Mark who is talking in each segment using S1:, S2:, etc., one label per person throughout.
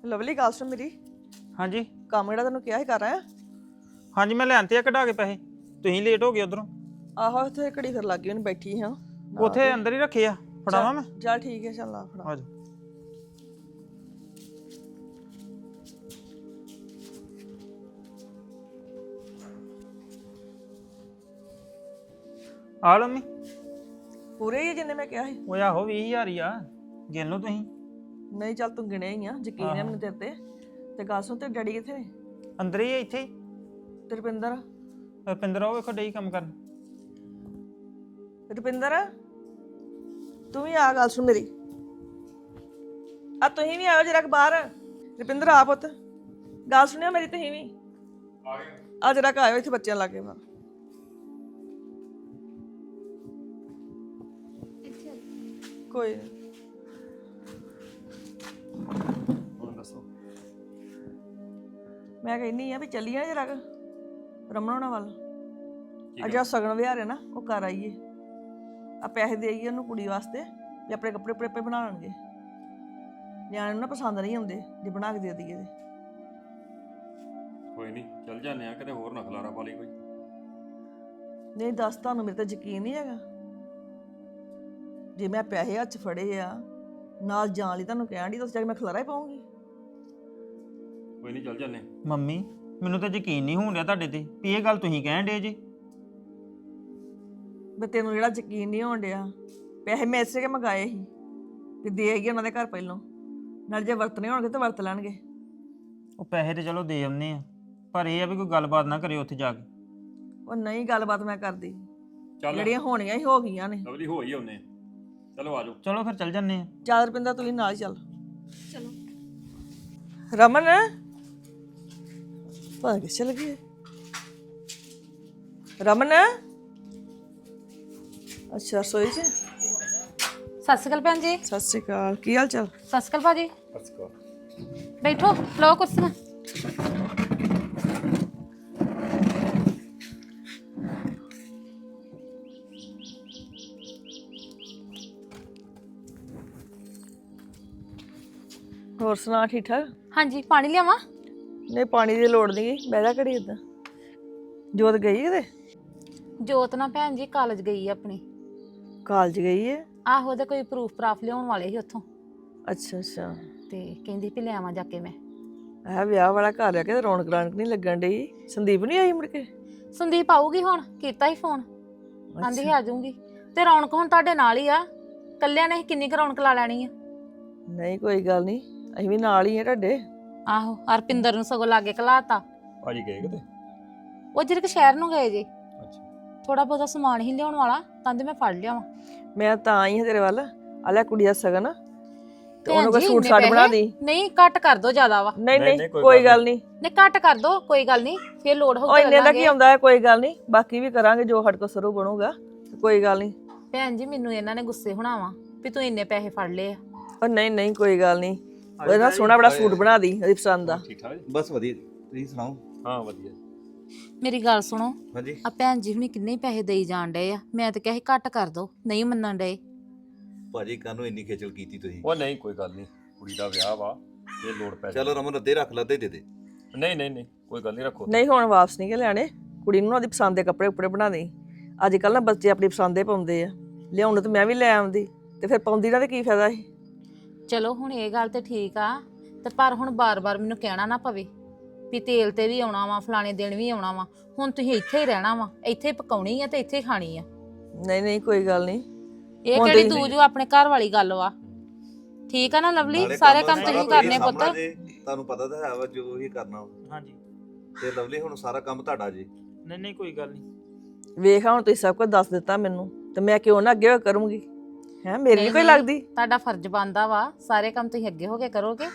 S1: Lovely ਗੱਲ ਸੁਣ ਮੇਰੀ।
S2: ਹਾਂਜੀ
S1: ਕੰਮ ਜਿਹੜਾ ਤੈਨੂੰ ਕਿਹਾ ਸੀ ਕਰ ਆਇਆ?
S2: ਹਾਂਜੀ ਮੈਂ ਲੈਣਤੇ ਆ ਕਢਾ ਕੇ ਪੈਸੇ। ਤੁਸੀਂ ਲੇਟ ਹੋ ਗਏ ਉਧਰੋਂ।
S1: ਆਹੋ ਉੱਥੇ ਘੜੀ ਫਿਰ ਲੱਗ ਗਈ ਉਹਨੂੰ ਬੈਠੀ ਹਾਂ।
S2: ਉੱਥੇ ਅੰਦਰ ਹੀ ਰੱਖੇ ਆ, ਫੜਾਵਾਂ ਮੈਂ?
S1: ਚੱਲ ਠੀਕ ਹੈ, ਚੱਲ ਆ ਫੜਾ।
S2: ਆ ਜਾ। ਆ ਲਓ ਮੰਮੀ।
S1: ਪੂਰੇ ਹੀ ਆ ਜਿੰਨੇ ਮੈਂ ਕਿਹਾ ਸੀ?
S2: ਉਹ ਆਹੋ 20,000 ਹੀ ਆ, ਗਿਣ ਲਓ ਤੁਸੀਂ।
S1: ਨਹੀਂ ਚੱਲ ਤੂੰ ਗਿਣਿਆ ਹੀ ਆ, ਯਕੀਨ ਹੈ ਮੈਨੂੰ ਤੇਰੇ ਤੇ ਗੱਲ ਸੁਣ, ਤੇਰੇ ਡੈਡੀ ਕਿੱਥੇ ਨੇ?
S2: ਅੰਦਰ ਹੀ ਆ, ਇੱਥੇ ਹੀ।
S1: ਤੇ ਰੁਪਿੰਦਰ?
S2: ਰੁਪਿੰਦਰ ਉਹ ਵੇਖੋ ਡਈ ਕੰਮ ਕਰਨ।
S1: ਰੁਪਿੰਦਰ ਤੂੰ ਵੀ ਆ, ਗੱਲ ਸੁਣ ਮੇਰੀ। ਆ ਤੁਸੀਂ ਵੀ ਆਇਓ ਜਰਾ ਬਾਹਰ। ਰੁਪਿੰਦਰ ਆ ਪੁੱਤ, ਗੱਲ ਸੁਣਿਓ ਮੇਰੀ, ਤੁਸੀਂ ਵੀ ਆ ਜਰਾ ਆਇਓ ਇੱਥੇ ਬੱਚਿਆਂ ਲਾਗੇ ਬਾਹਰ। ਕੋਈ ਨੀ।
S3: ਹੁਣ ਦੱਸੋ।
S1: ਮੈਂ ਕਹਿੰਦੀ ਆ ਵੀ ਚੱਲੀਏ ਨਾ ਜਰਾ ਰਮਨ ਹੋਣਾ ਵੱਲ। ਅਜਾ ਸਗਨ ਵਿਹਾਰ ਹੈ ਨਾ, ਉਹ ਕਰ ਆਈਏ। ਆ ਪੈਸੇ ਦੇ ਆਈਏ ਉਹਨੂੰ ਕੁੜੀ ਵਾਸਤੇ ਵੀ ਆਪਣੇ ਕੱਪੜੇ ਕੁਪੜੇ ਬਣਾ ਲੈਣਗੇ। ਨਿਆਣੇ ਨੂੰ ਨਾ ਪਸੰਦ ਨਹੀਂ ਆਉਂਦੇ ਜੇ ਬਣਾ ਕੇ ਦੇ ਦਈਏ ਤੇ।
S3: ਕੋਈ ਨਹੀਂ ਚੱਲ ਜਾਂਦੇ ਆ, ਕਿਤੇ ਹੋਰ ਨਾ ਖਲਾਰਾ ਪਾ ਲਈ ਕੋਈ।
S1: ਨਹੀਂ ਦੱਸ, ਤੁਹਾਨੂੰ ਮੇਰੇ ਤੇ ਯਕੀਨ ਨਹੀਂ ਹੈਗਾ? ਜੇ ਮੈਂ ਪੈਸੇ ਹੱਥ 'ਚ ਫੜੇ ਆ ਨਾਲ ਜਾਣ ਲਈ ਤੁਹਾਨੂੰ ਕਹਿਣ ਦੀ, ਤਾਂ ਜਾ ਕੇ ਮੈਂ ਖਲਾਰਾ ਹੀ ਪਾਉਂਗੀ।
S3: ਕੋਈ ਨਹੀਂ ਚੱਲ ਜਾਂਦੇ।
S2: ਮੰਮੀ ਮੈਨੂੰ ਤਾਂ ਯਕੀਨ ਨਹੀਂ ਹੋਣ ਡਿਆ ਤੁਹਾਡੇ ਤੇ ਵੀ ਇਹ ਗੱਲ ਤੁਸੀਂ ਕਹਿਣ ਡੇ ਜੇ।
S1: ਵੀ ਤੈਨੂੰ ਜਿਹੜਾ ਯਕੀਨ ਨਹੀਂ ਹੋਣ ਡਿਆ, ਪੈਸੇ ਮੈਂ ਇਸੇ ਕੇ ਮੰਗਾਏ ਸੀ ਵੀ ਦੇ ਆਈਏ ਉਹਨਾਂ ਦੇ ਘਰ ਪਹਿਲੋਂ, ਨਾਲ ਜੇ ਵਰਤਣੇ ਹੋਣਗੇ ਤਾਂ ਵਰਤ ਲੈਣਗੇ।
S2: ਉਹ ਪੈਸੇ ਤੇ ਚਲੋ ਦੇ ਆਉਂਦੇ ਆ, ਪਰ ਇਹ ਆ ਵੀ ਕੋਈ ਗੱਲਬਾਤ ਨਾ ਕਰਿਓ ਉੱਥੇ ਜਾ ਕੇ।
S1: ਉਹ ਨਹੀਂ ਗੱਲਬਾਤ ਮੈਂ ਕਰਦੀ,
S3: ਚੱਲ
S1: ਜਿਹੜੀਆਂ ਹੋਣੀਆਂ ਹੀ ਹੋ ਗਈਆਂ ਨੇ।
S3: ਲਵਲੀ ਹੋ ਹੀ ਆਉਨੇ। ਚਲੋ ਆ ਜਾਓ।
S2: ਚਲੋ ਫਿਰ ਚੱਲ ਜੰਨੇ ਆ।
S1: ਚੱਲ ਰੁਪਿੰਦਰ ਤੂੰ ਵੀ ਨਾਲ ਹੀ ਚੱਲ। ਚਲੋ ਰਮਨ ਪਤਾ ਕਿ ਚਲ ਗਈ ਰਮਨ। ਅੱਛਾ ਰਸੋਈ 'ਚ।
S4: ਸਤਿ ਸ਼੍ਰੀ ਅਕਾਲ ਭੈਣ ਜੀ।
S1: ਸਤਿ ਸ਼੍ਰੀ ਅਕਾਲ, ਕੀ ਹਾਲ ਚਾਲ?
S4: ਸਤਿ ਸ਼੍ਰੀ ਅਕਾਲ ਭਾਜੀ।
S3: ਅਸਕੋ
S4: ਬੈਠੋ, ਲਓ ਕੁਰਸੀਆਂ।
S1: ਹੋਰ ਸੁਣਾ, ਠੀਕ ਠਾਕ?
S4: ਹਾਂਜੀ, ਪਾਣੀ ਲਿਆਵਾਂ?
S1: ਨਹੀਂ ਪਾਣੀ ਦੀ ਲੋੜ ਨਹੀਂ, ਬਹਿ ਜਾ ਘੜੀ ਏਦਾਂ। ਜੋਤ ਗਈ ਕਿਤੇ?
S4: ਜੋਤ ਨਾ ਭੈਣ ਜੀ ਕਾਲਜ ਗਈ ਆ ਆਪਣੀ।
S1: ਕਾਲਜ ਗਈ ਹੈ?
S4: ਆਹੋ, ਉਹਦੇ ਕੋਈ ਪ੍ਰੂਫ ਪ੍ਰਾਫ ਲਿਆਉਣ ਵਾਲੇ ਸੀ ਉੱਥੋਂ,
S1: ਅੱਛਾ ਅੱਛਾ।
S4: ਤੇ ਕਹਿੰਦੀ ਵੀ ਲਿਆਵਾਂ ਜਾ ਕੇ ਮੈਂ।
S1: ਇਹ ਵਿਆਹ ਵਾਲਾ ਘਰ ਆ ਕੇ ਰੌਣਕ ਰਾਣਕ ਨਹੀਂ ਲੱਗਣ ਡਈ। ਸੰਦੀਪ ਨਹੀਂ ਆਈ ਮੁੜ ਕੇ?
S4: ਸੰਦੀਪ ਆਊਗੀ ਹੁਣ, ਕੀਤਾ ਹੀ ਫੋਨ, ਆਂਦੀ ਸੀ ਆ ਜਾਊਂਗੀ। ਤੇ ਰੌਣਕ ਹੁਣ ਤੁਹਾਡੇ ਨਾਲ ਹੀ ਆ, ਕੱਲਿਆਂ ਨੇ ਕਿੰਨੀ ਕੁ ਰੌਣਕ ਲਾ ਲੈਣੀ ਆ।
S1: ਨਹੀਂ ਕੋਈ ਗੱਲ ਨਹੀਂ, ਅਸੀਂ ਵੀ ਨਾਲ ਹੀ ਆ ਤੁਹਾਡੇ।
S4: ਆਹੋ, ਹਰਪਿੰਦਰ ਨੂੰ ਸਗੋਂ ਲਾਗੇ ਘਲਾਤਾ।
S3: ਭਾਜੀ ਗਏ ਕਿਤੇ?
S4: ਉਹ ਜਿਹੜੇ ਸ਼ਹਿਰ ਨੂੰ ਗਏ ਜੇ,
S3: ਅੱਛਾ
S4: ਥੋੜਾ ਬਹੁਤਾ ਸਮਾਨ ਹੀ ਲਿਆਉਣ ਵਾਲਾ, ਤਾਂ ਮੈਂ ਫੜ ਲਿਆਵਾਂ।
S1: ਮੈਂ ਤਾਂ ਆਈ ਹਾਂ ਤੇਰੇ ਵੱਲ। ਆ ਲੈ ਕੁੜੀ ਦਾ ਸਗਨ ਤੇ ਉਹਨੂੰ
S4: ਭੈਣ
S1: ਕੋਈ
S4: ਜੀ,
S1: ਸੂਟ
S4: ਇੰਨੇ
S1: ਸਾਟ ਬਣਾ
S4: ਪੈਸੇ?
S1: ਦੀ।
S4: ਨਹੀਂ ਘੱਟ ਕਰ ਦੋ, ਜ਼ਿਆਦਾ ਵਾ।
S1: ਨਹੀਂ
S3: ਨਹੀਂ,
S1: ਨਹੀਂ
S3: ਕੋਈ
S1: ਕੋਈ
S3: ਗੱਲ
S1: ਗੱਲ ਨਹੀਂ।
S4: ਨਹੀਂ ਘੱਟ ਕਰ ਦੋ, ਕੋਈ ਗੱਲ ਨਹੀਂ, ਫੇਰ ਲੋੜ
S1: ਉਹ
S4: ਹੋਊਗੀ
S1: ਇੰਨੇ ਦਾ ਕੀ ਆਉਂਦਾ ਹੈ, ਕੋਈ ਗੱਲ ਨਹੀਂ, ਬਾਕੀ ਵੀ ਕਰਾਂਗੇ ਜੋ ਸਾਡੇ ਕੋਲ ਸਰੂ ਬਣੂਗਾ, ਕੋਈ ਗੱਲ ਨਹੀਂ।
S4: ਭੈਣ ਜੀ ਮੈਨੂੰ ਇਹਨਾਂ ਨੇ ਗੁੱਸੇ ਹੋਣਾ ਵਾ ਵੀ ਤੂੰ ਇੰਨੇ ਪੈਸੇ ਫੜ ਲਏ ਆ।
S1: ਉਹ ਨਹੀਂ ਨਹੀਂ ਕੋਈ ਗੱਲ ਨਹੀਂ, ਉਹਦੇ ਨਾਲ ਸੋਹਣਾ ਬੜਾ ਸੂਟ ਬਣਾ ਦੀ ਉਹਦੀ ਪਸੰਦ ਦਾ।
S3: ਠੀਕ ਠਾਕ ਜੀ?
S5: ਬਸ ਵਧੀਆ, ਤੁਸੀਂ ਸੁਣਾਓ?
S3: ਹਾਂ ਵਧੀਆ।
S4: ਮੇਰੀ ਗੱਲ ਸੁਣੋ,
S5: ਹਾਂਜੀ।
S4: ਆ ਭੈਣ ਜੀ ਹੁਣੀ ਕਿੰਨੇ ਪੈਸੇ ਦੇਈ ਜਾਣ ਡਏ ਆ, ਮੈਂ ਤਾਂ ਕਿਹਾ ਸੀ ਘੱਟ ਕਰ ਦੋ, ਨਹੀਂ ਮੰਨਣ ਡਏ।
S5: ਭਾਜੀ ਕਾਹਨੂੰ ਇੰਨੀ ਖੇਚਲ ਕੀਤੀ ਤੁਸੀਂ?
S3: ਉਹ ਨਹੀਂ ਕੋਈ ਗੱਲ ਨਹੀਂ, ਕੁੜੀ ਦਾ ਵਿਆਹ ਵਾ, ਇਹ ਲੋੜ ਪੈ
S5: ਚਲੋ ਰਮਨ ਅੱਧੇ ਰੱਖ ਲਾ, ਅੱਧੇ ਦੇ ਦੇ।
S3: ਨਹੀਂ ਨਹੀਂ ਨਹੀਂ ਕੋਈ ਗੱਲ ਨਹੀਂ, ਰੱਖੋ।
S1: ਨਹੀਂ ਹੁਣ ਵਾਪਸ ਨਹੀਂ ਕਿ ਲੈਣੇ, ਕੁੜੀ ਨੂੰ ਉਹਦੀ ਪਸੰਦ ਦੇ ਕੱਪੜੇ ਕੁਪੜੇ ਬਣਾ ਦੇ। ਅੱਜ ਕੱਲ ਨਾ ਬੱਚੇ ਆਪਣੀ ਪਸੰਦ ਦੇ ਪਾਉਂਦੇ ਆ, ਲਿਆਉਣ ਤਾਂ ਮੈਂ ਵੀ ਲੈ ਆਉਂਦੀ ਤੇ ਫਿਰ ਪਾਉਂਦੀ ਨਾ ਤੇ ਕੀ ਫਾਇਦਾ ਸੀ।
S4: ਚਲੋ ਹੁਣ ਇਹ ਗੱਲ ਤੇ ਠੀਕ ਆ, ਤੇ ਪਰ ਹੁਣ ਬਾਰ-ਬਾਰ ਮੈਨੂੰ ਕਹਿਣਾ ਨਾ ਪਵੇ ਵੀ ਤੇਲ ਤੇ ਵੀ ਆਉਣਾ ਵਾ, ਫਲਾਣੇ ਦਿਨ ਵੀ ਆਉਣਾ ਵਾ। ਹੁਣ ਤੁਸੀਂ ਇੱਥੇ ਹੀ ਰਹਿਣਾ ਵਾ, ਇੱਥੇ ਪਕਾਉਣੀ ਆ ਤੇ ਇੱਥੇ ਖਾਣੀ ਆ।
S1: ਨਹੀਂ ਨਹੀਂ ਕੋਈ ਗੱਲ ਨਹੀਂ।
S4: ਇਹ ਕਿਹੜੀ ਦੂਜੋ ਆਪਣੇ ਘਰ ਵਾਲੀ ਗੱਲ ਵਾ। ਠੀਕ ਆ ਨਾ ਲਵਲੀ, ਸਾਰੇ ਕੰਮ ਤੁਸੀਂ ਕਰਨੇ ਪੁੱਤ।
S5: ਤੁਹਾਨੂੰ ਪਤਾ ਤਾਂ ਹੈ ਵਾ ਜੋ ਹੀ ਕਰਨਾ ਵਾ।
S2: ਹਾਂਜੀ
S5: ਤੇ ਲਵਲੀ ਹੁਣ ਸਾਰਾ ਕੰਮ ਤੁਹਾਡਾ ਜੀ।
S2: ਨਹੀਂ ਨਹੀਂ ਕੋਈ ਗੱਲ ਨਹੀਂ।
S1: ਵੇਖ ਹੁਣ ਤੁਸੀਂ ਸਭ ਕੁਝ ਦੱਸ ਦਿੱਤਾ ਮੈਨੂੰ, ਤੇ ਮੈਂ ਕਿਉਂ ਨਾ ਅੱਗੇ ਹੋ ਕਰੂੰਗੀ? ਹੈ ਮੇਰੀ ਨਹੀਂ ਕੋਈ ਲੱਗਦੀ?
S4: ਤੁਹਾਡਾ ਫਰਜ਼ ਬਣਦਾ ਵਾ, ਸਾਰੇ ਕੰਮ ਤੁਸੀਂ ਅੱਗੇ ਹੋ ਕੇ ਕਰੋਗੇ।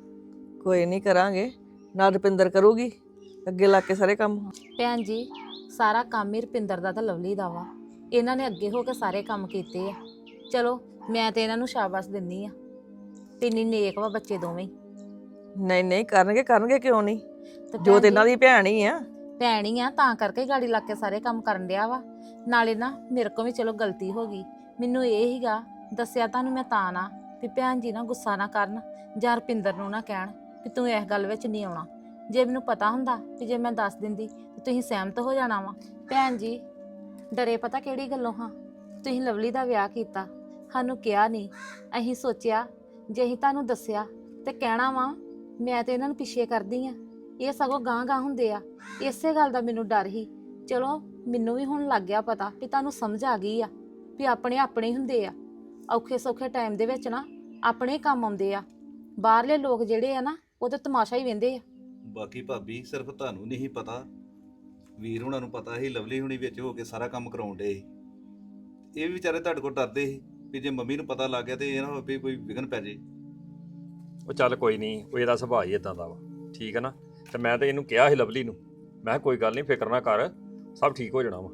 S1: ਕੋਈ ਨਹੀਂ ਕਰਾਂਗੇ, ਨਾਲ ਰੁਪਿੰਦਰ ਕਰੂਗੀ ਅੱਗੇ ਲਾ ਕੇ ਸਾਰੇ ਕੰਮ।
S4: ਭੈਣ ਜੀ ਸਾਰਾ ਕੰਮ ਹੀ ਰੁਪਿੰਦਰ ਦਾ ਤਾਂ ਲਵਲੀ ਦਾ ਵਾ, ਇਹਨਾਂ ਨੇ ਅੱਗੇ ਹੋ ਕੇ ਸਾਰੇ ਕੰਮ ਕੀਤੇ ਆ। ਚਲੋ ਮੈਂ ਤੇ ਇਹਨਾਂ ਨੂੰ ਸ਼ਾਬਾਸ਼ ਦਿੰਦੀ ਆ, ਇੰਨੀ ਨੇਕ ਵਾ ਬੱਚੇ ਦੋਵੇਂ।
S1: ਨਹੀਂ ਨਹੀਂ ਕਰਨਗੇ, ਕਰਨਗੇ ਕਿਉਂ ਨਹੀਂ?
S4: ਤੇ
S1: ਜੋ
S4: ਭੈਣ
S1: ਤੇ ਇਹਨਾਂ
S4: ਜੀ,
S1: ਦੀ ਭੈਣ ਹੀ ਆ।
S4: ਭੈਣ ਹੀ ਆ ਤਾਂ ਕਰਕੇ ਗਾੜੀ ਲੱਗ ਕੇ ਸਾਰੇ ਕੰਮ ਕਰਨ ਡਿਆ ਵਾ। ਨਾਲੇ ਨਾ ਮੇਰੇ ਕੋਲ ਵੀ ਚਲੋ ਗਲਤੀ ਹੋ ਗਈ, ਮੈਨੂੰ ਇਹ ਹੀਗਾ ਦੱਸਿਆ ਤੁਹਾਨੂੰ ਮੈਂ ਤਾਂ ਨਾ ਵੀ ਭੈਣ ਜੀ ਨਾ ਗੁੱਸਾ ਨਾ ਕਰਨ ਜਾਂ ਰੁਪਿੰਦਰ ਨੂੰ ਨਾ ਕਹਿਣ ਕਿ ਤੂੰ ਇਸ ਗੱਲ ਵਿੱਚ ਨਹੀਂ ਆਉਣਾ। ਜੇ ਮੈਨੂੰ ਪਤਾ ਹੁੰਦਾ ਕਿ ਜੇ ਮੈਂ ਦੱਸ ਦਿੰਦੀ ਤੇ ਤੁਸੀਂ ਸਹਿਮਤ ਹੋ ਜਾਣਾ ਵਾ। ਭੈਣ ਜੀ ਡਰੇ ਪਤਾ ਕਿਹੜੀ ਗੱਲੋਂ ਹਾਂ? ਤੁਸੀਂ ਲਵਲੀ ਦਾ ਵਿਆਹ ਕੀਤਾ, ਸਾਨੂੰ ਕਿਹਾ ਨਹੀਂ। ਅਸੀਂ ਸੋਚਿਆ ਜੇ ਅਸੀਂ ਤੁਹਾਨੂੰ ਦੱਸਿਆ ਤੇ ਕਹਿਣਾ ਵਾ ਮੈਂ ਤੇ ਇਹਨਾਂ ਨੂੰ ਪਿੱਛੇ ਕਰਦੀ ਆ, ਇਹ ਸਗੋਂ ਗਾਂ ਹੁੰਦੇ ਆ। ਇਸੇ ਗੱਲ ਦਾ ਮੈਨੂੰ ਡਰ ਸੀ। ਚਲੋ ਮੈਨੂੰ ਵੀ ਹੁਣ ਲੱਗ ਗਿਆ ਪਤਾ ਵੀ ਤੁਹਾਨੂੰ ਸਮਝ ਆ ਗਈ ਆ ਵੀ ਆਪਣੇ ਆਪਣੇ ਹੀ ਹੁੰਦੇ ਆ। ਔਖੇ ਸੌਖੇ ਟਾਈਮ ਦੇ ਵਿੱਚ ਨਾ ਆਪਣੇ ਕੰਮ ਆਉਂਦੇ ਆ। ਬਾਹਰਲੇ ਲੋਕ ਜਿਹੜੇ ਆ ਨਾ ਉਹ ਤਾਂ ਤਮਾਸ਼ਾ ਹੀ ਵੇਂਦੇ ਆ।
S5: ਬਾਕੀ ਭਾਬੀ ਸਿਰਫ ਤੁਹਾਨੂੰ ਨਹੀਂ ਪਤਾ, ਵੀਰ ਹੁਣਾਂ ਨੂੰ ਪਤਾ ਸੀ ਲਵਲੀ ਹੁਣੀ ਵਿੱਚ ਹੋ ਕੇ ਸਾਰਾ ਕੰਮ ਕਰਾਉਣ ਡੇ ਸੀ। ਇਹ ਵੀ ਵਿਚਾਰੇ ਤੁਹਾਡੇ ਕੋਲ ਡਰਦੇ ਸੀ ਵੀ ਜੇ ਮੰਮੀ ਨੂੰ ਪਤਾ ਲੱਗ ਗਿਆ ਤੇ ਇਹ ਨਾ ਹੋਵੇ ਕੋਈ ਵਿਘਨ ਪੈ ਜੇ।
S3: ਉਹ ਚੱਲ ਕੋਈ ਨਹੀਂ, ਉਹ ਇਹਦਾ ਸੁਭਾਅ ਹੀ ਇਦਾਂ ਦਾ ਵਾ, ਠੀਕ ਹੈ ਨਾ। ਤੇ ਮੈਂ ਤਾਂ ਇਹਨੂੰ ਕਿਹਾ ਸੀ ਲਵਲੀ ਨੂੰ, ਮੈਂ ਕਿਹਾ ਕੋਈ ਗੱਲ ਨਹੀਂ, ਫਿਕਰ ਨਾ ਕਰ, ਸਭ ਠੀਕ ਹੋ ਜਾਣਾ ਵਾ।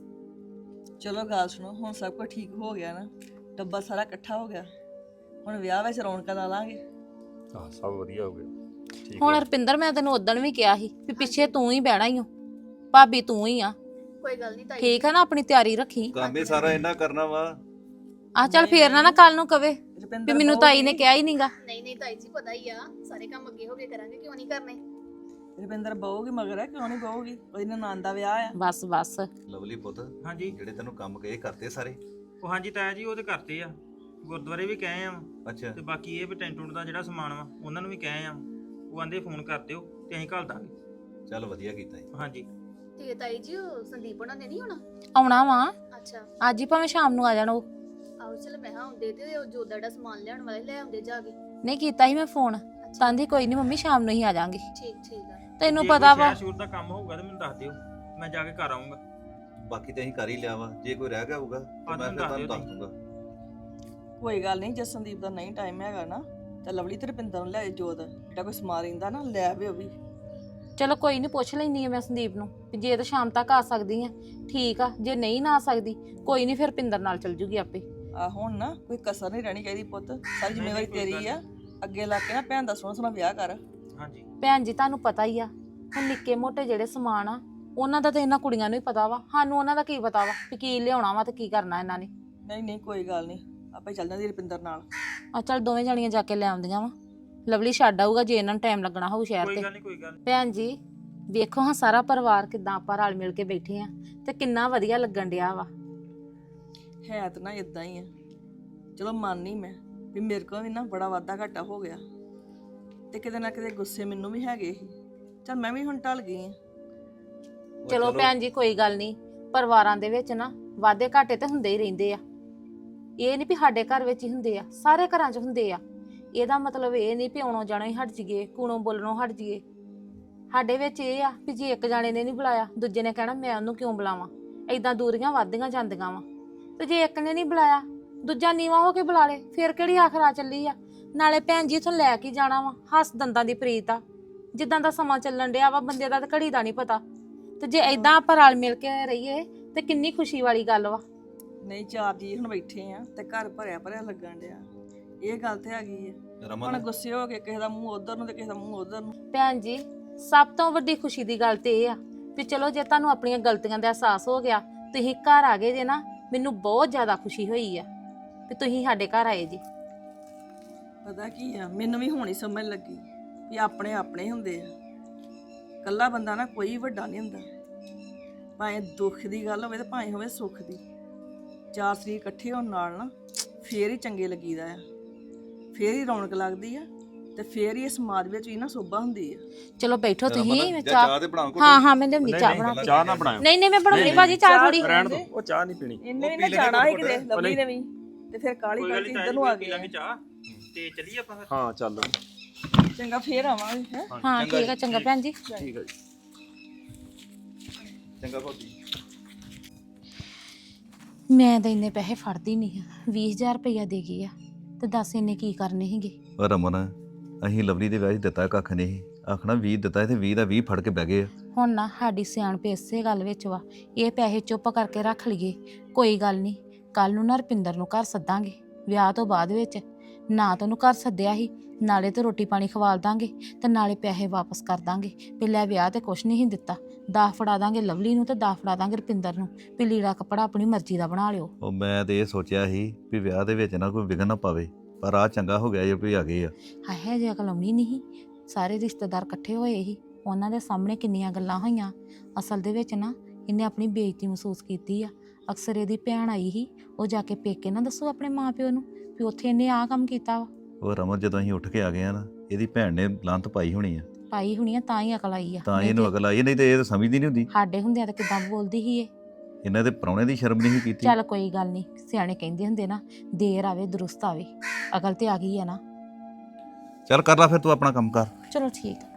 S1: ਚਲੋ ਗੱਲ ਸੁਣੋ, ਹੁਣ ਸਭ ਕੁਝ ਠੀਕ ਹੋ ਗਿਆ ਨਾ, ਡੱਬਾ ਸਾਰਾ ਇਕੱਠਾ ਹੋ ਗਿਆ। ਹੁਣ ਵਿਆਹ ਵਿੱਚ ਰੌਣਕਾਂ ਲਾ ਲਾਂਗੇ।
S3: ਹਾਂ ਸਭ ਵਧੀਆ ਹੋ ਗਿਆ, ਠੀਕ
S4: ਹੁਣ
S3: ਹੈ।
S4: ਰੁਪਿੰਦਰ ਮੈਂ ਤੈਨੂੰ ਉਦਣ ਵੀ ਕਿਹਾ ਸੀ ਵੀ ਪਿੱਛੇ ਤੂੰ ਹੀ ਬਹਿਣਾ ਹੀ ਓ, ਭਾਬੀ ਤੂੰ ਹੀ ਆ।
S6: ਕੋਈ ਗੱਲ ਨਹੀਂ ਤਾਈ
S4: ਠੀਕ ਹੈ ਨਾ, ਆਪਣੀ ਤਿਆਰੀ ਰੱਖੀ।
S5: ਕੰਮ ਹੀ ਸਾਰਾ ਇਹਨਾਂ ਕਰਨਾ ਵਾ।
S4: ਆ ਚੱਲ ਫੇਰ ਨਾ ਕੱਲ ਨੂੰ ਕਵੇ ਵੀ
S1: ਰੁਪਿੰਦਰ
S4: ਮੈਨੂੰ ਤਾਈ ਨੇ ਕਿਹਾ ਹੀ ਨਹੀਂਗਾ।
S6: ਨਹੀਂ ਤਾਈ ਜੀ ਪਤਾ ਹੀ ਆ, ਸਾਰੇ ਕੰਮ ਅੱਗੇ ਹੋ ਕੇ ਕਰਾਂਗੇ, ਕਿਉਂ ਨਹੀਂ ਕਰਨੇ।
S1: ਰੁਪਿੰਦਰ ਬਹੂਗੀ ਮਗਰ ਹੈ, ਕਿਉਂ ਨਹੀਂ ਬਹੂਗੀ? ਉਹਦੀ ਨਨਾਣ ਦਾ ਵਿਆਹ ਆ।
S4: ਬਸ ਬਸ
S5: ਲਵਲੀ ਪੁੱਤ
S2: ਹਾਂਜੀ
S5: ਜਿਹੜੇ ਤੈਨੂੰ ਕੰਮ ਕਹੇ ਕਰਤੇ ਸਾਰੇ?
S2: ਉਹ ਹਾਂਜੀ ਤਾਇਆ ਜੀ ਉਹ ਤੇ ਕਰਤੇ ਆ, ਗੁਰਦੁਆਰੇ ਵੀ ਕਹੇ ਆ
S5: ਅੱਛਾ
S2: ਤੇ ਬਾਕੀ ਇਹ ਵੀ ਟੈਂਟ ਟੁੰਟ ਦਾ ਜਿਹੜਾ ਸਮਾਨ ਵਾ ਉਹਨਾਂ ਨੂੰ ਵੀ ਕਹੇ ਆ। ਉਹ ਆਂਦੇ ਫੋਨ ਕਰ ਦਿਓ ਤੇ ਅਸੀਂ ਘੱਲ ਦਾਂਗੇ।
S5: ਚੱਲ ਵਧੀਆ ਕੀਤਾ ਜੀ।
S2: ਹਾਂਜੀ
S6: ਤੇ ਤਾਈ ਜੀ ਉਹ ਸੰਦੀਪ ਉਹਨਾਂ ਨੇ ਨਹੀਂ ਹੋਣਾ?
S4: ਆਉਣਾ ਵਾ
S6: ਅੱਛਾ
S4: ਅੱਜ ਹੀ, ਭਾਵੇਂ ਸ਼ਾਮ ਨੂੰ ਆ ਜਾਣ। ਉਹ
S6: ਆਓ ਚਲ ਮੈਂ ਹਾਂ ਹੁੰਦੇ ਤੇ ਉਹ ਜੋ ਦਾ ਸਮਾਨ ਲਿਆਉਣ ਵਾਲੇ ਲੈ ਆਉਂਦੇ ਜਾ ਕੇ।
S4: ਨਹੀਂ ਕੀਤਾ ਸੀ ਮੈਂ ਫੋਨ, ਕਹਿੰਦੀ ਕੋਈ ਨਹੀਂ ਮੰਮੀ ਸ਼ਾਮ ਨੂੰ ਹੀ ਆ ਜਾਾਂਗੇ।
S6: ਠੀਕ ਆ।
S4: ਤੈਨੂੰ
S2: ਜੇ
S4: ਪਤਾ
S2: ਕੋਈ
S4: ਵਾ
S2: ਸ਼ਹਿਰ ਸ਼ੂਰ ਦਾ ਕੰਮ ਹੋਊਗਾ ਤੇ ਮੈਨੂੰ ਦੱਸ ਦਿਓ, ਮੈਂ ਜਾ ਕੇ ਘਰ ਆਉਂਗਾ।
S5: ਬਾਕੀ ਤੇ ਅਸੀਂ ਕਰ ਹੀ ਲਿਆ ਵਾ, ਜੇ ਕੋਈ ਰਹਿ ਗਿਆ ਹੋਊਗਾ ਤੇ ਮੈਂ ਫਿਰ ਤੁਹਾਨੂੰ ਦੱਸ ਦੂੰਗਾ।
S1: ਕੋਈ ਗੱਲ ਨਹੀਂ, ਜੇ ਸੰਦੀਪ ਦਾ ਨਹੀਂ ਟਾਈਮ ਹੈਗਾ ਨਾ ਤਾਂ ਲਵਲੀ ਤੇ ਰੁਪਿੰਦਰ ਨੂੰ ਲੈ ਆਏ। ਜੋਤ ਜਿਹੜਾ ਕੋਈ ਸਮਾਨ ਰਹਿੰਦਾ ਨਾ ਲੈ ਆਵੇ ਉਹ ਵੀ।
S4: ਚਲੋ ਕੋਈ ਨਹੀਂ, ਪੁੱਛ ਲੈਣੀ ਆ ਮੈਂ ਸੰਦੀਪ ਨੂੰ ਵੀ ਜੇ ਤਾਂ ਸ਼ਾਮ ਤੱਕ ਆ ਸਕਦੀ ਆ ਠੀਕ ਆ, ਜੇ ਨਹੀਂ ਨਾ ਆ ਸਕਦੀ ਕੋਈ ਨਹੀਂ ਫਿਰ ਪਿੰਦਰ ਨਾਲ ਚਲ ਜੂਗੀ ਆਪੇ।
S1: ਆ ਹੁਣ ਨਾ ਕੋਈ ਕਸਰ ਨਹੀਂ ਰਹਿਣੀ ਚਾਹੀਦੀ ਪੁੱਤ, ਸਾਰੀ ਜ਼ਿੰਮੇਵਾਰੀ ਤੇਰੀ ਆ। ਅੱਗੇ ਲਾ ਕੇ ਨਾ ਭੈਣ ਦਾ ਸੋਹਣਾ ਸੋਹਣਾ ਵਿਆਹ ਕਰ।
S2: ਹਾਂਜੀ
S4: ਭੈਣ ਜੀ ਤੁਹਾਨੂੰ ਪਤਾ ਹੀ ਆ, ਹੁਣ ਨਿੱਕੇ ਮੋਟੇ ਜਿਹੜੇ ਸਮਾਨ ਆ ਉਹਨਾਂ ਦਾ ਤਾਂ ਇਹਨਾਂ ਕੁੜੀਆਂ ਨੂੰ ਹੀ ਪਤਾ ਵਾ, ਸਾਨੂੰ ਉਹਨਾਂ ਦਾ ਕੀ ਪਤਾ ਵਾ ਵੀ ਕੀ ਲਿਆਉਣਾ ਵਾ ਤੇ ਕੀ ਕਰਨਾ ਇਹਨਾਂ ਨੇ।
S1: ਨਹੀਂ ਕੋਈ ਗੱਲ ਨਹੀਂ, ਆਪੇ ਚੱਲ ਜਾਂਦੀ ਰੁਪਿੰਦਰ ਨਾਲ।
S4: ਆ ਚੱਲ ਦੋਵੇਂ ਜਣੀਆਂ ਜਾ ਕੇ ਲੈ ਆਉਂਦੀਆਂ ਵਾ। ਲਵਲੀ ਛੱਡ ਆਊਗਾ ਜੇ ਇਹਨਾਂ ਨੂੰ ਟਾਈਮ ਲੱਗਣਾ ਹੋਊ ਸ਼ਹਿਰ
S2: ਕੋਈ
S4: ਤੇ।
S2: ਗੱਲ ਨਹੀਂ ਕੋਈ ਗੱਲ ਨੀ।
S4: ਭੈਣ ਜੀ ਵੇਖੋ ਹਾਂ ਸਾਰਾ ਪਰਿਵਾਰ ਕਿਦਾਂ ਆਪਾਂ ਰਲ ਮਿਲ ਕੇ ਬੈਠੇ ਆ ਤੇ ਕਿੰਨਾ ਵਧੀਆ ਲੱਗਣ ਡਿਆ ਵਾ।
S1: ਹੈ ਤਾਂ ਨਾ ਇਦਾਂ ਹੀ ਆ। ਚਲੋ ਮੰਨਨੀ ਮੈਂ ਵੀ ਮੇਰੇ ਕੋਲ ਵੀ ਨਾ ਬੜਾ ਵਾਧਾ ਘਾਟਾ ਹੋ ਗਿਆ ਤੇ ਕਿਤੇ ਨਾ ਕਿਤੇ ਗੁੱਸੇ ਮੈਨੂੰ ਵੀ ਹੈਗੇ ਸੀ। ਚਲ ਮੈਂ ਵੀ ਹੁਣ ਟਲ ਗਈ ਆ।
S4: ਚਲੋ ਭੈਣ ਜੀ ਕੋਈ ਗੱਲ ਨਹੀਂ, ਪਰਿਵਾਰਾਂ ਦੇ ਵਿੱਚ ਨਾ ਵਾਧੇ ਘਾਟੇ ਤੇ ਹੁੰਦੇ ਹੀ ਰਹਿੰਦੇ ਆ। ਇਹ ਨਹੀਂ ਵੀ ਸਾਡੇ ਘਰ ਵਿੱਚ ਹੀ ਹੁੰਦੇ ਆ, ਸਾਰੇ ਘਰਾਂ 'ਚ ਹੁੰਦੇ ਆ। ਇਹਦਾ ਮਤਲਬ ਇਹ ਨਹੀਂ ਵੀ ਆਉਣੋਂ ਜਾਣੋਂ ਹੀ ਹਟ ਜੀਏ, ਕੂਣੋਂ ਬੋਲਣੋਂ ਹਟ ਜੀਏ। ਸਾਡੇ ਵਿੱਚ ਇਹ ਆ ਵੀ ਜੇ ਇੱਕ ਜਾਣੇ ਨੇ ਨਹੀਂ ਬੁਲਾਇਆ ਦੂਜੇ ਨੇ ਕਹਿਣਾ ਮੈਂ ਉਹਨੂੰ ਕਿਉਂ ਬੁਲਾਵਾਂ। ਏਦਾਂ ਦੂਰੀਆਂ ਵੱਧਦੀਆਂ ਜਾਂਦੀਆਂ ਵਾ। ਤੇ ਜੇ ਇੱਕ ਨੇ ਨਹੀਂ ਬੁਲਾਇਆ ਦੂਜਾ ਨੀਵਾਂ ਹੋ ਕੇ ਬੁਲਾ ਲੇ, ਫਿਰ ਕਿਹੜੀ ਆਖਰ ਆ ਚੱਲੀ ਆ। ਨਾਲੇ ਭੈਣ ਜੀ ਇਥੋਂ ਲੈ ਕੇ ਜਾਣਾ ਵਾ, ਹੱਸ ਦੰਦਾਂ ਦੀ ਪ੍ਰੀਤ ਆ। ਜਿੱਦਾਂ ਦਾ ਸਮਾਂ ਚੱਲਣ ਡਿਆ ਵਾ ਬੰਦੇ ਦਾ ਤਾਂ ਘੜੀ ਦਾ ਨਹੀਂ ਪਤਾ। ਤੇ ਜੇ ਏਦਾਂ ਆਪਾਂ ਰਲ ਮਿਲ ਕੇ ਰਹੀਏ ਤੇ ਕਿੰਨੀ ਖੁਸ਼ੀ ਵਾਲੀ ਗੱਲ ਵਾ।
S1: ਨਹੀਂ ਚਾਰ ਜੀ ਹੁਣ ਬੈਠੇ ਆ ਤੇ ਘਰ ਭਰਿਆ ਭਰਿਆ ਲੱਗਣ ਡਿਆ। ਇਹ ਗੱਲ ਤੇ ਹੈਗੀ ਆ। ਹੁਣ
S5: ਰਮਨ
S1: ਗੁੱਸੇ ਹੋ ਕੇ ਕਿਸੇ ਦਾ ਮੂੰਹ ਉਧਰ ਨੂੰ ਤੇ ਕਿਸੇ ਦਾ ਮੂੰਹ ਉਧਰ ਨੂੰ।
S4: ਭੈਣ ਜੀ ਸਭ ਤੋਂ ਵੱਡੀ ਖੁਸ਼ੀ ਦੀ ਗੱਲ ਤੇ ਇਹ ਆ ਵੀ ਚਲੋ ਜੇ ਤੁਹਾਨੂੰ ਆਪਣੀਆਂ ਗਲਤੀਆਂ ਦਾ ਅਹਿਸਾਸ ਹੋ ਗਿਆ, ਤੁਸੀਂ ਘਰ ਆ ਗਏ ਜੇ ਨਾ, ਮੈਨੂੰ ਬਹੁਤ ਜ਼ਿਆਦਾ ਖੁਸ਼ੀ ਹੋਈ ਆ ਵੀ ਤੁਸੀਂ ਸਾਡੇ ਘਰ ਆਏ ਜੀ।
S1: ਪਤਾ ਕੀ ਆ, ਮੈਨੂੰ ਵੀ ਹੁਣ ਹੀ ਸਮਝ ਲੱਗੀ ਵੀ ਆਪਣੇ ਆਪਣੇ ਹੁੰਦੇ ਆ। ਇਕੱਲਾ ਬੰਦਾ ਨਾ ਕੋਈ ਵੱਡਾ ਨਹੀਂ ਹੁੰਦਾ, ਭਾਵੇਂ ਦੁੱਖ ਦੀ ਗੱਲ ਹੋਵੇ ਤੇ ਭਾਵੇਂ ਹੋਵੇ ਸੁੱਖ ਦੀ। ਚਾਰ ਸਰੀਰ ਇਕੱਠੇ ਹੋਣ ਨਾਲ ਨਾ ਫੇਰ ਹੀ ਚੰਗੇ ਲੱਗੀਦਾ ਆ, ਫੇਰ ਹੀ ਰੌਣਕ ਲੱਗਦੀ ਆ ਤੇ ਫੇਰ ਹੀ ਇਹ ਸਮਾਜ ਵਿੱਚ ਵੀ ਨਾ ਸੋਭਾ ਹੁੰਦੀ ਆ।
S4: ਚਲੋ ਬੈਠੋ ਤੁਸੀਂ, ਮੈਂ
S5: ਚਾਹ ਤੇ ਬਣਾਓ ਕੋਈ।
S4: ਹਾਂ ਮੈਂ ਲਿਆਉਂਦੀ ਚਾਹ ਬਣਾ ਕੇ।
S3: ਚਾਹ ਨਾ ਬਣਾਇਓ,
S4: ਨਹੀਂ ਮੈਂ ਬਣਾਉਣੀ ਭਾਜੀ ਚਾਹ ਥੋੜੀ।
S3: ਰਹਿਣ ਦੋ, ਉਹ ਚਾਹ ਨਹੀਂ ਪੀਣੀ।
S1: ਇਹਨੇ ਵੀ ਨਾ ਜਾਣਾ ਹੈ ਕਿਤੇ ਲਵਲੀ ਨੇ ਵੀ, ਤੇ ਫਿਰ ਕਾਲੀ
S2: ਕੋਈ ਗੱਲ
S1: ਕਾਲੀ
S2: ਨਹੀਂ
S1: ਇੱਧਰ ਨੂੰ ਆ
S2: ਪੀ
S1: ਗਏ।
S2: ਲਾਂਗੇ ਚਾਹ ਤੇ ਚੱਲੀਏ ਆਪਾਂ ਫਿਰ।
S3: ਹਾਂ ਚੱਲ
S1: ਚੰਗਾ ਫੇਰ ਆਵਾਂਗੇ ਹੈ।
S4: ਹਾਂ ਠੀਕ ਆ, ਚੰਗਾ ਭੈਣ ਜੀ।
S3: ਠੀਕ ਹੈ ਜੀ।
S5: ਚੰਗਾ ਭਾਬੀ।
S4: ਮੈਂ ਤਾਂ ਇੰਨੇ ਪੈਸੇ ਫੜਦੀ ਨਹੀਂ ਆ, 20000 ਰੁਪਇਆ ਦੇ ਗਈ ਆ ਤੇ ਦੱਸ ਇਹਨੇ ਕੀ ਕਰਨੇ ਸੀਗੇ।
S5: ਉਹ ਰਮਨ ਅਸੀਂ ਲਵਲੀ ਦੇ ਵਿਆਹ 'ਚ ਦਿੱਤਾ ਕੱਖ ਨਹੀਂ, ਆਖਣਾ 20 ਦਿੱਤਾ ਤੇ 20 ਦਾ 20 ਫੜ ਕੇ ਬਹਿ ਗਏ ਆ।
S4: ਹੁਣ ਨਾ ਸਾਡੀ ਸਿਆਣਪ ਇਸੇ ਗੱਲ ਵਿੱਚ ਵਾ, ਇਹ ਪੈਸੇ ਚੁੱਪ ਕਰਕੇ ਰੱਖ ਲਈਏ। ਕੋਈ ਗੱਲ ਨਹੀਂ, ਕੱਲ ਨੂੰ ਨਾ ਰੁਪਿੰਦਰ ਨੂੰ ਘਰ ਸੱਦਾਂਗੇ ਵਿਆਹ ਤੋਂ ਬਾਅਦ ਵਿੱਚ। ਨਾ ਤਾਂ ਉਹਨੂੰ ਘਰ ਸੱਦਿਆ ਸੀ, ਨਾਲੇ ਤੇ ਰੋਟੀ ਪਾਣੀ ਖਵਾਲ ਦਾਂਗੇ ਤੇ ਨਾਲੇ ਪੈਸੇ ਵਾਪਸ ਕਰ ਦਾਂਗੇ। ਪਹਿਲਾਂ ਵਿਆਹ ਤੇ ਕੁਛ ਨਹੀਂ ਦਿੱਤਾ, 10 ਫੜਾ ਦਾਂਗੇ ਲਵਲੀ ਨੂੰ ਤੇ 10 ਫੜਾ ਦਾਂਗੇ ਰੁਪਿੰਦਰ ਨੂੰ ਵੀ ਲੀੜਾ ਕੱਪੜਾ ਆਪਣੀ ਮਰਜ਼ੀ ਦਾ ਬਣਾ ਲਿਓ।
S5: ਉਹ ਮੈਂ ਤੇ ਇਹ ਸੋਚਿਆ ਸੀ ਵੀ ਵਿਆਹ ਦੇ ਵਿੱਚ ਨਾ ਕੋਈ ਵਿਘਨ ਨਾ ਪਾਵੇ, ਪਰ ਆ ਚੰਗਾ ਹੋ ਗਿਆ ਜੇ ਕੋਈ ਆ ਗਏ ਆ।
S4: ਹਾਏ ਜੇ ਅਕਲ ਆਉਣੀ ਨਹੀਂ, ਸਾਰੇ ਰਿਸ਼ਤੇਦਾਰ ਇਕੱਠੇ ਹੋਏ ਸੀ, ਉਹਨਾਂ ਦੇ ਸਾਹਮਣੇ ਕਿੰਨੀਆਂ ਗੱਲਾਂ ਹੋਈਆਂ। ਅਸਲ ਦੇ ਵਿੱਚ ਨਾ ਇਹਨੇ ਆਪਣੀ ਬੇਇੱਜ਼ਤੀ ਮਹਿਸੂਸ ਕੀਤੀ ਆ। ਅਕਸਰ ਇਹਦੀ ਭੈਣ ਆਈ ਸੀ, ਉਹ ਜਾ ਕੇ ਪੇਕੇ ਨਾ ਦੱਸੋ ਆਪਣੇ ਮਾਪਿਓ ਨੂੰ ਵੀ ਉੱਥੇ ਇਹਨੇ ਆਹ ਕੰਮ ਕੀਤਾ ਵਾ।
S5: ਉਹ ਰਮਨ ਜਦੋਂ ਅਸੀਂ ਉੱਠ ਕੇ ਆ ਗਏ ਆ ਨਾ, ਇਹਦੀ ਭੈਣ ਨੇ ਲਾਂਤ ਪਾਈ ਹੋਣੀ ਆ,
S4: ਪਾਈ ਹੋਣੀ ਆ, ਤਾਂ ਹੀ ਅਕਲ ਆਈ ਆ।
S5: ਤਾਂ
S4: ਨਹੀਂ
S5: ਇਹਨੂੰ
S4: ਤੇ
S5: ਅਕਲ ਆਈ, ਨਹੀਂ ਤੇ ਇਹ ਤਾਂ ਸਮਝਦੀ ਨਹੀਂ ਹੁੰਦੀ।
S4: ਸਾਡੇ ਹੁੰਦਿਆਂ ਤਾਂ ਕਿਦਾਂ ਬੋਲਦੀ ਸੀ ਇਹ।
S5: ਇਹਨਾਂ ਦੇ ਪ੍ਰਾਹੁਣੇ ਦੀ ਸ਼ਰਮ ਨਹੀਂ ਕੀਤੀ।
S4: ਚੱਲ ਕੋਈ ਗੱਲ ਨਹੀਂ, ਸਿਆਣੇ ਕਹਿੰਦੇ ਹੁੰਦੇ ਨਾ, ਦੇਰ ਆਵੇ ਦਰੁਸਤ ਆਵੇ। ਅਕਲ ਤੇ ਆ ਗਈ ਆ ਨਾ।
S5: ਚੱਲ ਕਰ ਲੈ ਫਿਰ ਤੂੰ ਆਪਣਾ ਕੰਮ ਕਰ।
S4: ਚਲੋ ਠੀਕ ਆ।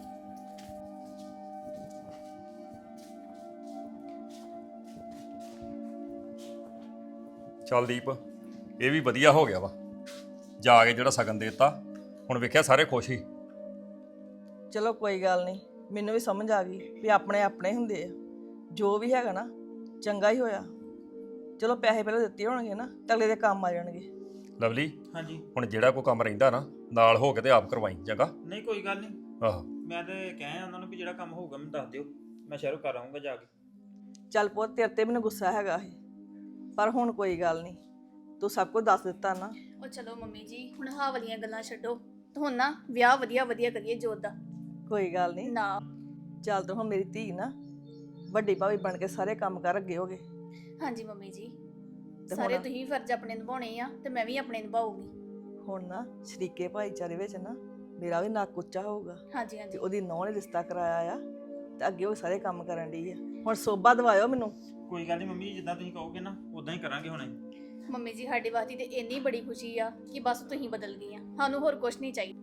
S3: ਚੱਲ ਦੀਪ, ਇਹ ਵੀ ਵਧੀਆ ਹੋ ਗਿਆ ਵਾ, ਜਾ ਕੇ ਜਿਹੜਾ ਸ਼ਗਨ ਦੇ ਦਿੱਤਾ। ਹੁਣ ਵੇਖਿਆ ਸਾਰੇ ਖੁਸ਼ ਹੀ।
S1: ਚਲੋ ਕੋਈ ਗੱਲ ਨਹੀਂ, ਮੈਨੂੰ ਵੀ ਸਮਝ ਆ ਗਈ ਵੀ ਆਪਣੇ ਆਪਣੇ ਹੁੰਦੇ ਆ। ਜੋ ਵੀ ਹੈਗਾ ਨਾ ਚੰਗਾ ਹੀ ਹੋਇਆ। ਚਲੋ ਪੈਸੇ ਪਹਿਲਾਂ ਦਿੱਤੇ ਹੋਣਗੇ ਨਾ, ਤਾਂ ਅਗਲੇ ਦੇ ਕੰਮ ਆ ਜਾਣਗੇ।
S3: ਲਵਲੀ,
S2: ਹਾਂਜੀ।
S3: ਹੁਣ ਜਿਹੜਾ ਕੋਈ ਕੰਮ ਰਹਿੰਦਾ ਨਾ, ਨਾਲ ਹੋ ਕੇ ਤੇ ਆਪ ਕਰਵਾਈ, ਚੰਗਾ?
S2: ਨਹੀਂ ਕੋਈ ਗੱਲ ਨਹੀਂ,
S3: ਆਹੋ,
S2: ਮੈਂ ਤੇ ਕਹਿਆ ਉਹਨਾਂ ਨੂੰ ਵੀ ਜਿਹੜਾ ਕੰਮ ਹੋਊਗਾ ਮੈਨੂੰ ਦੱਸ ਦਿਓ, ਮੈਂ ਸ਼ਹਿਰੋਂ ਕਰ ਆਉਂਗਾ ਜਾ ਕੇ।
S1: ਚੱਲ ਪੁੱਤ, ਤੇਰੇ ਤੇ ਮੈਨੂੰ ਗੁੱਸਾ ਹੈਗਾ ਸੀ, ਪਰ ਹੁਣ ਕੋਈ ਗੱਲ ਨਹੀਂ, ਤੂੰ ਸਭ ਕੁਝ ਦੱਸ ਦਿੱਤਾ ਨਾ।
S6: ਉਹ ਚਲੋ ਮੰਮੀ ਜੀ, ਹੁਣ ਆਹ ਵਾਲੀਆਂ ਗੱਲਾਂ ਛੱਡੋ ਤੇ ਹੁਣ ਨਾ ਵਿਆਹ ਵਧੀਆ ਵਧੀਆ ਕਰੀਏ ਜੋਤ ਦਾ।
S1: ਕੋਈ ਗੱਲ ਨਹੀਂ,
S6: ਨਾ
S1: ਚੱਲ ਤੂੰ ਹੁਣ ਮੇਰੀ ਧੀ ਨਾ ਵੱਡੀ ਭਾਵੇਂ ਬਣ ਕੇ ਸਾਰੇ ਕੰਮ ਕਰ ਅੱਗੇ ਹੋਗੇ।
S6: ਹਾਂਜੀ ਮੰਮੀ ਜੀ,
S1: ਤੇ
S6: ਸਾਰੇ
S1: ਹੁਣ-
S6: ਤੁਸੀਂ ਫਰਜ਼ ਆਪਣੇ ਨਿਭਾਉਣੇ ਆ ਤੇ ਮੈਂ ਵੀ ਆਪਣੇ ਨਿਭਾਊਗੀ।
S1: ਹੁਣ ਨਾ ਸ਼ਰੀਕੇ ਭਾਈਚਾਰੇ ਵਿੱਚ ਨਾ ਮੇਰਾ ਵੀ ਨੱਕ ਉੱਚਾ ਹੋਊਗਾ
S6: ਹਾਂਜੀ
S1: ਤੇ
S6: ਹਾਂਜੀ
S1: ਉਹਦੀ ਨੌਂ ਨੇ ਰਿਸ਼ਤਾ ਕਰਾਇਆ ਆ, ਤੇ ਅੱਗੇ ਉਹ ਸਾਰੇ ਕੰਮ ਕਰਨ ਡਈ ਆ। ਹੁਣ ਸੋਭਾ ਦਵਾਇਓ ਮੈਨੂੰ।
S2: ਕੋਈ ਗੱਲ ਨਹੀਂ ਮੰਮੀ ਜੀ, ਜਿੱਦਾਂ ਤੁਸੀਂ ਕਹੋਗੇ ਨਾ ਉਦਾਂ ਹੀ ਕਰਾਂਗੇ ਹੁਣੇ।
S6: ਮੰਮੀ ਜੀ, ਸਾਡੀ ਵਾਸਤੇ ਤੇ ਇੰਨੀ ਬੜੀ ਖੁਸ਼ੀ ਆ ਕਿ ਬਸ ਤੁਸੀਂ ਬਦਲ ਗਈਆਂ, ਸਾਨੂੰ ਹੋਰ ਕੁਝ ਨਹੀਂ ਚਾਹੀਦਾ।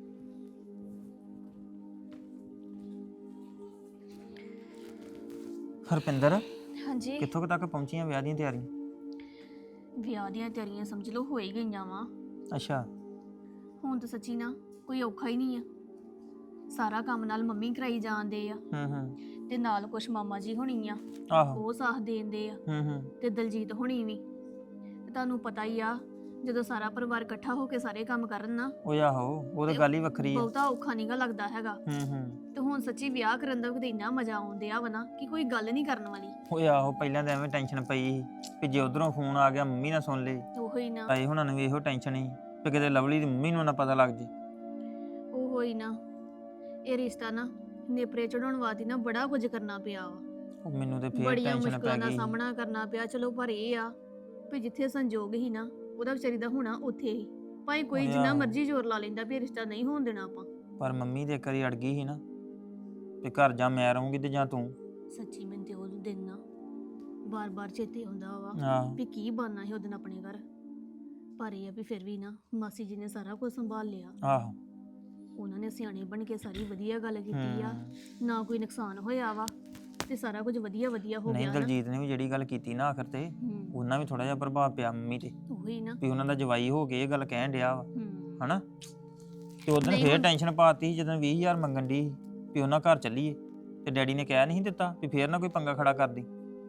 S2: ਹਰਪਿੰਦਰ,
S6: ਹਾਂਜੀ,
S2: ਕਿੱਥੋਂ ਤੱਕ ਪਹੁੰਚੀਆਂ ਵਿਆਹ ਦੀਆਂ ਤਿਆਰੀਆਂ?
S6: ਵਿਆਹ ਦੀਆਂ ਤਿਆਰੀਆਂ ਸਮਝ ਲਓ ਹੋ ਹੀ ਗਈਆਂ ਵਾ।
S2: ਅੱਛਾ।
S6: ਹੁਣ ਤਾਂ ਸੱਚੀ ਨਾ ਕੋਈ ਔਖਾ ਹੀ ਨਹੀਂ ਆ। ਸਾਰਾ ਕੰਮ ਨਾਲ ਮੰਮੀ ਕਰਾਈ ਜਾਂਦੇ ਆ
S2: ਹੂੰ
S6: ਤੇ ਨਾਲ ਕੁਛ ਮਾਮਾ ਜੀ ਹੋਣੀ ਆ,
S2: ਆਹੋ।
S6: ਉਹ ਸਾਥ ਦੇਂਦੇ ਆ,
S2: ਹੂੰ
S6: ਤੇ ਦਲਜੀਤ ਹੋਣੀ ਵੀ। ਤੇ ਤੁਹਾਨੂੰ ਪਤਾ ਹੀ ਆ, ਜਦੋਂ ਸਾਰਾ ਪਰਿਵਾਰ ਇਕੱਠਾ ਹੋ ਕੇ ਸਾਰੇ ਕੰਮ ਕਰਨ ਨਾ,
S2: ਉਹ ਆਹੋ, ਉਹ ਤਾਂ ਗੱਲ ਹੀ ਵੱਖਰੀ ਆ।
S6: ਬਹੁਤਾ ਔਖਾ ਨਹੀਂਗਾ ਲੱਗਦਾ ਹੈਗਾ।
S2: ਹੂੰ
S6: ਤੇ ਹੁਣ ਸੱਚੀ ਵਿਆਹ ਕਰਨ ਦਾ ਕਿਤੇ ਇੰਨਾ ਮਜ਼ਾ ਆਉਂਦਿਆ ਵਾ ਨਾ ਕਿ ਕੋਈ ਗੱਲ ਨਹੀਂ ਕਰਨ ਵਾਲੀ।
S2: ਉਹ ਆਹੋ, ਪਹਿਲਾਂ ਤਾਂ ਐਵੇਂ ਟੈਨਸ਼ਨ ਪਈ ਸੀ ਵੀ ਜੇ ਉਧਰੋਂ ਫੋਨ ਆ ਗਿਆ ਮੰਮੀ ਨਾ ਸੁਣ ਲੇ।
S6: ਉਹੋ ਹੀ ਨਾ,
S2: ਤਾਈ ਹੁਣਾਂ ਨੂੰ ਵੀ ਇਹੋ ਟੈਨਸ਼ਨ ਸੀ ਵੀ ਕਿਤੇ ਲਵਲੀ ਦੀ ਮੰਮੀ ਨੂੰ ਨਾ ਪਤਾ ਲੱਗ ਜੇ।
S6: ਉਹੋ ਹੀ ਨਾ। ਇਹ ਰਿਸ਼ਤਾ ਨਾ ਨੇਪਰੇ ਚੜਾਉਣ ਵਾਸਤੇ ਨਾ ਬੜਾ ਕੁਝ ਕਰਨਾ ਪਿਆ ਵਾ।
S2: ਉਹ ਮੈਨੂੰ ਤੇ ਫੇਰ
S6: ਬੜੀਆਂ
S2: ਟੈਨਸ਼ਨ
S6: ਮੁਸ਼ਕਲਾਂ
S2: ਪੈ
S6: ਦਾ
S2: ਗਈ।
S6: ਸਾਹਮਣਾ ਕਰਨਾ ਪਿਆ। ਚਲੋ ਪਰ ਇਹ ਆ ਵੀ ਜਿੱਥੇ ਸੰਜੋਗ ਹੀ ਨਾ, ਉਹਦਾ ਵਿਚਾਰੀ ਦਾ ਹੋਣਾ ਉੱਥੇ ਹੀ। ਭਾਵੇਂ ਕੋਈ
S2: ਉਹ
S6: ਜਿੰਨਾ
S2: ਆਹੋ।
S6: ਮਰਜ਼ੀ ਜ਼ੋਰ ਲਾ ਲੈਂਦਾ ਵੀ ਇਹ ਰਿਸ਼ਤਾ ਨਹੀਂ ਹੋਣ ਦੇਣਾ ਆਪਾਂ।
S2: ਪਰ ਮੰਮੀ ਦੇ ਇੱਕ ਵਾਰੀ ਅੜ ਗਈ ਸੀ ਨਾ ਵੀ ਘਰ ਜਾਂ ਮੈਂ ਰਹੂੰਗੀ ਤੇ ਜਾਂ ਤੂੰ।
S6: ਸੱਚੀ ਮੈਨੂੰ ਤੇ ਉਹ ਦਿਨ ਨਾ ਬਾਰ-ਬਾਰ ਚੇਤੇ ਆਉਂਦਾ ਵਾ
S2: ਆਹੋ।
S6: ਵੀ ਕੀ ਬਣਨਾ ਸੀ ਉਹ ਦਿਨ ਆਪਣੇ ਘਰ। ਪਰ ਇਹ ਆ ਵੀ ਫਿਰ ਵੀ ਨਾ ਮਾਸੀ ਜੀ ਨੇ ਸਾਰਾ ਕੁਝ ਸੰਭਾਲ ਲਿਆ।
S2: ਆਹੋ।
S6: ਉਹਨਾਂ ਨੇ ਸਿਆਣੇ ਬਣ ਕੇ ਸਾਰੀ ਵਧੀਆ ਗੱਲ ਕੀਤੀ ਆ,
S2: ਹੂੰ।
S6: ਨਾ ਕੋਈ ਨੁਕਸਾਨ ਹੋਇਆ ਵਾ ਤੇ ਸਾਰਾ ਕੁਝ ਵਧੀਆ ਵਧੀਆ ਹੋ
S2: ਨਹੀਂ,
S6: ਗਿਆ ਨਾ।
S2: ਦਲਜੀਤ ਨੇ ਵੀ ਜਿਹੜੀ ਗੱਲ ਕੀਤੀ ਨਾ ਆਖਰ ਤੇ,
S6: ਹੂੰ,
S2: ਉਹਨਾਂ ਵੀ ਥੋੜਾ ਜਿਹਾ ਪ੍ਰਭਾਵ ਪਿਆ ਮੰਮੀ ਤੇ
S6: ਉਹੀ ਨਾ।
S2: ਵੀ ਉਹਨਾਂ ਦਾ ਜਵਾਈ ਹੋ ਕੇ ਇਹ ਗੱਲ ਕਹਿਣ ਡਿਆ ਵਾ,
S6: ਹੂੰ,
S2: ਹਨਾ। ਤੇ ਉਦੋਂ
S6: ਨਹੀਂ
S2: ਫੇਰ
S6: ਹੁਣ-
S2: ਟੈਨਸ਼ਨ ਪਾਤੀ ਸੀ ਜਦੋਂ 20,000 ਮੰਗਣ ਦੀ ਵੀ ਉਹਨਾਂ ਘਰ ਚੱਲੀਏ, ਤੇ ਡੈਡੀ ਨੇ ਕਹਿ ਨਹੀਂ ਦਿੱਤਾ ਵੀ ਫੇਰ ਨਾ ਕੋਈ ਪੰਗਾ ਖੜਾ ਕਰਦੀ।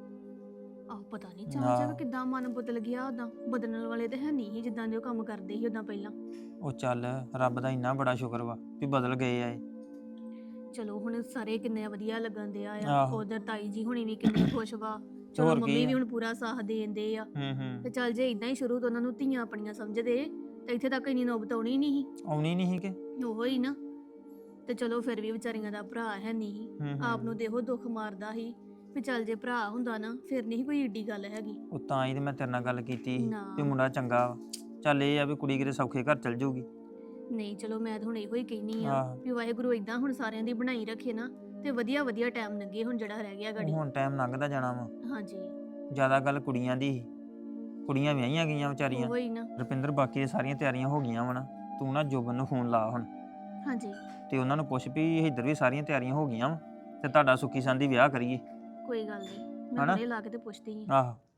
S6: ਆਹ ਪਤਾ ਨਹੀਂ
S2: ਹਾਂ।
S6: ਚਾਚਾ ਕਿਦਾਂ ਮਨ ਬਦਲ ਗਿਆ ਉਹਦਾ। ਬਦਲਣ ਵਾਲੇ ਤੇ ਹੈ ਨਹੀਂ ਸੀ ਜਿੱਦਾਂ ਦੇ ਉਹ ਕੰਮ ਕਰਦੇ ਸੀ ਉਦਾਂ ਪਹਿਲਾਂ।
S2: ਉਹ ਚੱਲ, ਰੱਬ ਦਾ ਇੰਨਾ ਬੜਾ ਸ਼ੁਕਰ ਵਾ ਵੀ ਬਦਲ ਗਏ ਆ ਇਹ।
S6: ਚਲੋ ਹੁਣ ਸਾਰੇ ਕਿੰਨੇ ਵਧੀਆ ਲੱਗਣ ਦੇ ਆ।
S2: ਆਹੋ।
S6: ਉਧਰ ਤਾਈ ਜੀ ਹੁਣੀ ਵੀ ਕਿੰਨੇ ਖੁਸ਼ ਵਾ। ਚਲੋ
S2: ਹੋਰ ਕੀ
S6: ਮੰਮੀ ਵੀ
S2: ਆ।
S6: ਹੁਣ ਪੂਰਾ ਸਾਥ ਦੇਂਦੇ ਆ।
S2: ਹੂੰ
S6: ਤੇ ਚੱਲ ਜੇ ਇਦਾਂ ਹੀ ਸ਼ੁਰੂ ਤੋਂ ਉਹਨਾਂ ਨੂੰ ਧੀਆਂ ਆਪਣੀਆਂ ਸਮਝਦੇ ਤੇ ਇੱਥੇ ਤੱਕ ਇੰਨੀ ਨੌਬਤ ਆਉਣੀ ਨਹੀਂ
S2: ਆਉਣੀ ਨਹੀਂ ਸੀ ਕਿ
S6: ਸੀ। ਉਹੋ ਹੀ ਨਾ। ਤੇ ਚਲੋ ਫਿਰ ਵੀ ਵਿਚਾਰੀਆਂ ਦਾ ਭਰਾ ਹੈ ਨਹੀਂ ਸੀ।
S2: ਹੂੰ
S6: ਆਪ ਨੂੰ ਦੇਖੋ ਦੁੱਖ ਮਾਰਦਾ ਸੀ ਵੀ ਚੱਲ ਜੇ ਭਰਾ ਹੁੰਦਾ ਨਾ ਫਿਰ ਨਹੀਂ ਕੋਈ ਏਡੀ ਗੱਲ ਹੈਗੀ।
S2: ਉਹ ਤਾਂ ਹੀ ਤੇ ਮੈਂ ਤੇਰੇ ਨਾਲ ਗੱਲ ਕੀਤੀ ਸੀ
S6: ਨਾ।
S2: ਵੀ ਮੁੰਡਾ ਚੰਗਾ ਵਾ। ਚੱਲ ਇਹ ਆ ਵੀ ਕੁੜੀ ਕਿਤੇ ਸੌਖੇ ਘਰ ਚੱਲ ਜਾਊਗੀ।
S6: ਨਹੀਂ ਚਲੋ ਮੈਂ ਤਾਂ ਹੁਣ ਇਹੋ ਹੀ ਕਹਿਨੀ ਆ
S2: ਆਹੋ।
S6: ਵੀ ਵਾਹਿਗੁਰੂ ਇਦਾਂ ਹੁਣ ਸਾਰਿਆਂ ਦੀ ਬਣਾਈ ਰੱਖੇ ਨਾ ਤੇ ਵਧੀਆ ਵਧੀਆ ਟਾਈਮ ਲੱਗੇ ਹੁਣ ਜਿਹੜਾ ਰਹਿ ਗਿਆ ਗਾੜੀ।
S2: ਹੁਣ ਟਾਈਮ ਲੰਘਦਾ ਜਾਣਾ ਵਾ।
S6: ਹਾਂਜੀ
S2: ਜ਼ਿਆਦਾ ਗੱਲ ਕੁੜੀਆਂ ਦੀ ਸੀ। ਕੁੜੀਆਂ ਵਿਆਹੀਆਂ ਗਈਆਂ ਵਿਚਾਰੀਆਂ।
S6: ਉਹੋ ਹੀ ਨਾ।
S2: ਰੁਪਿੰਦਰ, ਬਾਕੀ ਇਹ ਸਾਰੀਆਂ ਤਿਆਰੀਆਂ ਹੋ ਗਈਆਂ ਵਾ ਨਾ। ਤੂੰ ਨਾ ਜੋਬਨ ਨੂੰ ਫੋਨ ਲਾ ਹੁਣ
S6: ਹਾਂਜੀ
S2: ਤੇ ਉਹਨਾਂ ਨੂੰ ਪੁੱਛ ਵੀ ਇੱਧਰ ਵੀ ਸਾਰੀਆਂ ਤਿਆਰੀਆਂ ਹੋ ਗਈਆਂ ਵਾ ਤੇ ਤੁਹਾਡਾ ਸੁੱਖੀ ਸੰਦੀ ਵਿਆਹ ਕਰੀਏ।
S6: ਕੋਈ ਗੱਲ ਨਹੀਂ, ਮੈਂ
S2: ਹਨਾ?
S6: ਹੁਣੇ ਲਾ ਕੇ ਤੇ ਪੁੱਛਦੀ ਹਾਂ।
S2: ਆਹੋ।